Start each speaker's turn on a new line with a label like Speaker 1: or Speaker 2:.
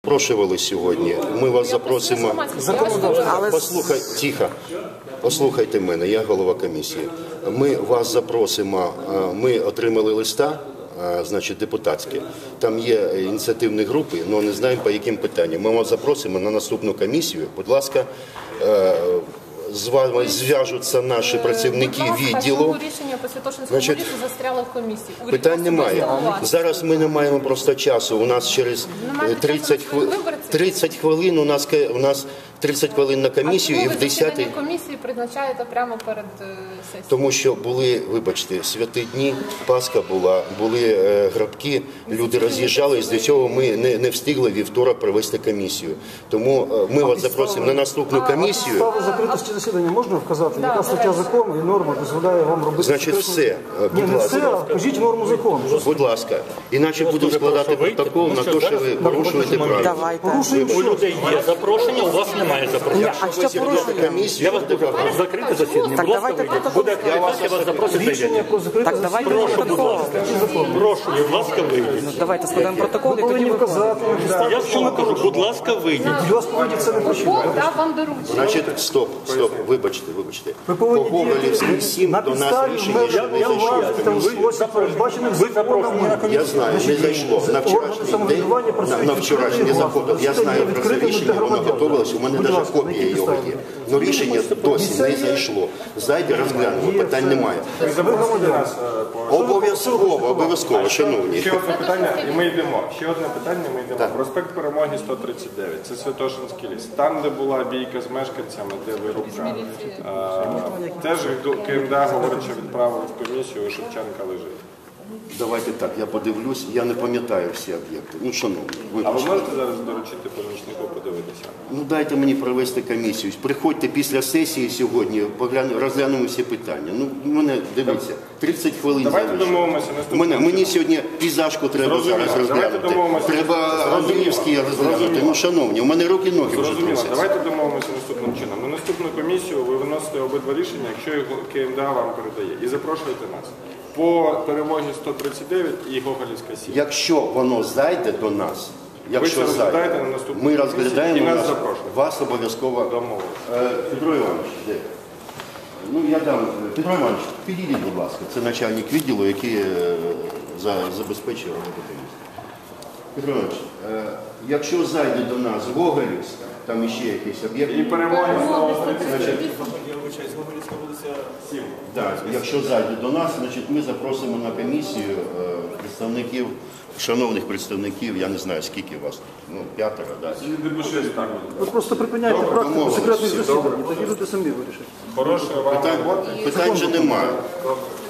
Speaker 1: запрошували сьогодні. Ми вас запросимо. Послухайте, тихо. Послухайте мене, я голова комісії. Ми вас запросимо, ми отримали листа, значить, депутатське. Там є ініціативні групи, але не знаємо, по яким питанням. Ми вас запросимо на наступну комісію. Будь ласка, з вами зв'яжуться наші працівники відділу.
Speaker 2: Чому рішення по Святошинському лісу застряло в комісії?
Speaker 1: Питань немає. Зараз ми не маємо просто часу. У нас через 30 хвилин, у нас 30 хвилин на комісію і в 10-й...
Speaker 2: комісії призначаєте прямо перед сесією?
Speaker 1: Тому що були, вибачте, святі дні, Пасха була, були грабки, люди роз'їжджались, до цього ми не встигли вівторок провести комісію. Тому ми вас запросимо на наступну комісію.
Speaker 3: Підстави закритості засідання можна вказати? Яка стаття закону і норма дозволяє вам робити?
Speaker 1: Значить, все.
Speaker 3: Ні, не все, а кажіть норму закону.
Speaker 1: Будь ласка. Іначе будемо складати протокол на те, що ви порушуєте правила.
Speaker 4: У людей є запрошення, у вас немає запрошення.
Speaker 1: А що порушуєте?
Speaker 4: Я вас буду закрити засідання. Будь ласка, вийдіть. Буде акредитація, вас запросить
Speaker 3: Рішення про закрите засідання.
Speaker 4: Прошу, будь ласка, вийдіть.
Speaker 5: Давайте складемо протокол
Speaker 3: Ви
Speaker 5: і тоді
Speaker 3: повинні вказати.
Speaker 4: Я що не кажу, будь ласка, вийдіть.
Speaker 3: Вас повинні це не прочитати.
Speaker 2: Дав вам доручення.
Speaker 1: Значить, стоп, вибачте.
Speaker 3: Ви
Speaker 1: По
Speaker 3: повинні
Speaker 1: Гоголівській 7
Speaker 3: на
Speaker 1: до нас
Speaker 3: підставі
Speaker 1: рішення ще не зайшло.
Speaker 3: в спосіб, передбаченим законом.
Speaker 1: Я знаю, не зайшло. На вчорашній день, на вчорашній не заходив. Я знаю про це рішення, воно готувалося, у мене навіть копія його є. Но рішення досі не зайшло. Зайде, розглянемо, питань немає. Обов'язково, шановні.
Speaker 6: Ще одне питання, і ми йдемо. Проспект Перемоги 139, це Святошинський ліс. Там, де була бійка з мешканцями, де вирубка. Теж КМДА, говорить, що відправили в комісію, у Шевченка лежить.
Speaker 1: Давайте так, я подивлюсь, я не пам'ятаю всі об'єкти. Ну, шановні,
Speaker 6: А ви
Speaker 1: вибачте.
Speaker 6: можете зараз доручити помічнику подивитися?
Speaker 1: Ну, дайте мені провести комісію. Приходьте після сесії сьогодні, розглянемо всі питання. Ну, мене, дивіться, 30 хвилин
Speaker 6: Давайте
Speaker 1: залишилось.
Speaker 6: домовимося наступного.
Speaker 1: Мені сьогодні пізашку треба зараз розглянути. Треба Андріївський розглянути. Ну, шановні, у мене руки-ноги вже
Speaker 6: Зрозуміло.
Speaker 1: трусяться.
Speaker 6: Давайте домовимося наступним чином. На наступну комісію ви виносите обидва рішення, якщо його КМДА вам передає. І запрошуєте нас. По Перемогі 139 і Гоголівська 7.
Speaker 1: Якщо воно зайде до нас,
Speaker 6: Ви це розглядаєте на наступній
Speaker 1: ми
Speaker 6: комісії
Speaker 1: розглядаємо
Speaker 6: і нас
Speaker 1: нас,
Speaker 6: запрошуєте.
Speaker 1: вас обов'язково.
Speaker 6: Домовились.
Speaker 1: Петро Іванович, де? Ну, я дам. Петро Іванович, підійдіть, будь ласка. Це начальник відділу, який забезпечує роботу комісії. Петро Іванович, якщо зайде до нас Гоголівська, там іще якийсь об'єкт.
Speaker 6: І Перемоги 139.
Speaker 1: Так, якщо зайде до нас, значить ми запросимо на комісію представників, шановних представників, я не знаю скільки вас, ну 5, так.
Speaker 3: Ви просто припиняйте практику секретних засідань, тоді люди самі вирішать.
Speaker 6: Хороша вам робота.
Speaker 1: Питань же немає.